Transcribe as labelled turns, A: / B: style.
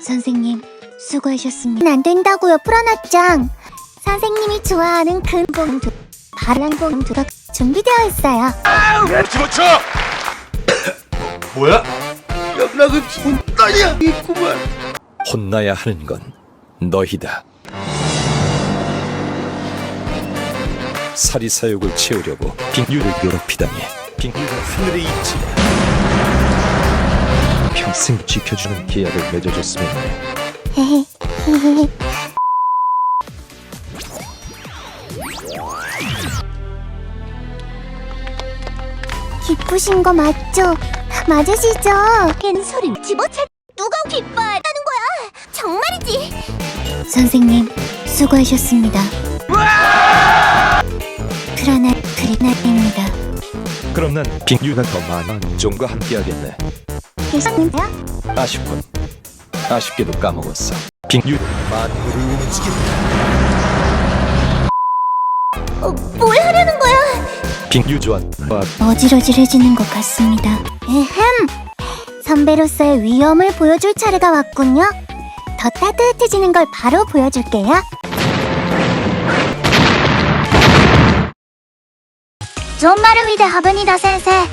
A: 선생님, 수고하셨습니다.
B: 안 된다고요, 프라나짱. 선생님이 좋아하는 근봉 바람봉 두가 준비되어 있어요.
C: 집어쳐! 뭐야? 연락은 혼나야 있구만.
D: 혼나야 하는 건 너희다. 사리사욕을 채우려고 빙유를 괴롭히다니. 빙유가 하늘에 있지. 평생 지켜주는 계약을 맺어줬으면 해.
B: 헤헤. 기쁘신 거 맞죠? 맞으시죠? 걘 소리를 집어채. 누가 기뻐하는 거야? 정말이지?
A: 선생님, 수고하셨습니다. 프라나입니다.
D: 그럼 난 빙유가 더 많은 종과 함께하겠네.
B: 계셨는데요?
D: 아쉽군. 아쉽게도 까먹었어. 빙유 만물을 움직인다.
B: 뭘 하려는 거야?
D: 빙유 조안.
A: 어질어질해지는 것 같습니다.
B: 에헴! 선배로서의 위엄을 보여줄 차례가 왔군요. 더 따뜻해지는 걸 바로 보여줄게요. 존마를 위대 하브니다, 센세.